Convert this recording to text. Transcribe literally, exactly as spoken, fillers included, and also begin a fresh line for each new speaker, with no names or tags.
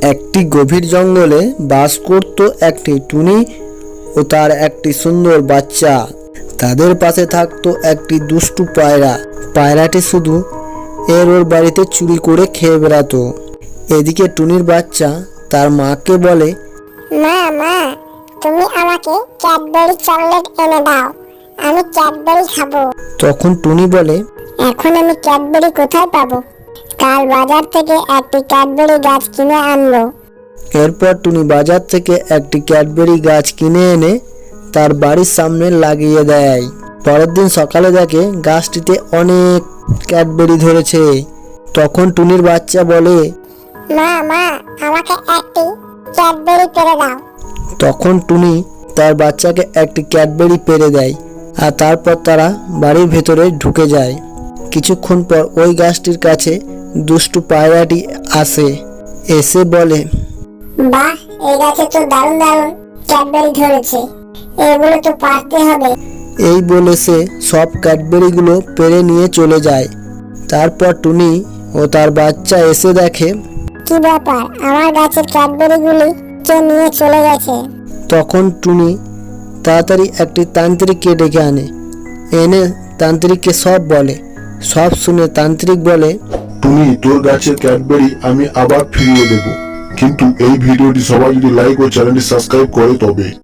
একটি গভীর জঙ্গলে বাস করত একটি টুনি ও তার একটি সুন্দর বাচ্চা। তাদের পাশে থাকতো একটি দুষ্টু পায়রা। পায়রাটি শুধু এর ওর বাড়িতে চুরি করে খেয়ে বেড়াতো। এদিকে টুনির বাচ্চা তার মাকে বলে,
মা মা তুমি আমাকে ক্যাডবেরি চকলেট এনে দাও, আমি ক্যাডবেরি খাবো।
তখন টুনি বলে,
এখন আমি ক্যাডবেরি কোথায় পাবো? কাল বাজার থেকে একটি ক্যাডবেরি গাছ কিনে আনলো।
এরপর টুনি বাজার থেকে একটি ক্যাডবেরি গাছ কিনে এনে তার বাড়ির সামনে লাগিয়ে দেয়। পরের দিন সকালে দেখে গাছটিতে অনেক ক্যাডবেরি ধরেছে। তখন টুনির বাচ্চা বলে,
মা মা আমাকে একটি ক্যাডবেরি পেড়ে দাও।
তখন টুনি তার বাচ্চাকে একটি ক্যাডবেরি পেড়ে দেয় আর তারপর তারা বাড়ির ভেতরে ঢুকে যায়। কিছুক্ষণ পর ওই গাছটির কাছে দুষ্টু পায়রাটি আসে। এসে বলে,
বাহ, এই গাছে তো দারুণ দারুণ ক্যাডবেরি ধরেছে, এগুলো তো পারতে হবে।
এই বলে সে সব ক্যাডবেরিগুলো পেড়ে নিয়ে চলে যায়। তারপর টুনি ও তার বাচ্চা এসে দেখে,
কি ব্যাপার, আমার গাছের ক্যাডবেরিগুলি কে নিয়ে চলে গেছে?
তখন টুনি তাড়াতাড়ি একটি তান্ত্রিককে ডেকে আনে। এনে তান্ত্রিককে সব বলে। সব শুনে তান্ত্রিক বলে,
টুনি, তোর গাছের ক্যাডবেরি আমি আবার ফিরিয়ে দেব, কিন্তু এই ভিডিওটি সবাই যদি লাইক ও চ্যানেলটি সাবস্ক্রাইব করে তবে।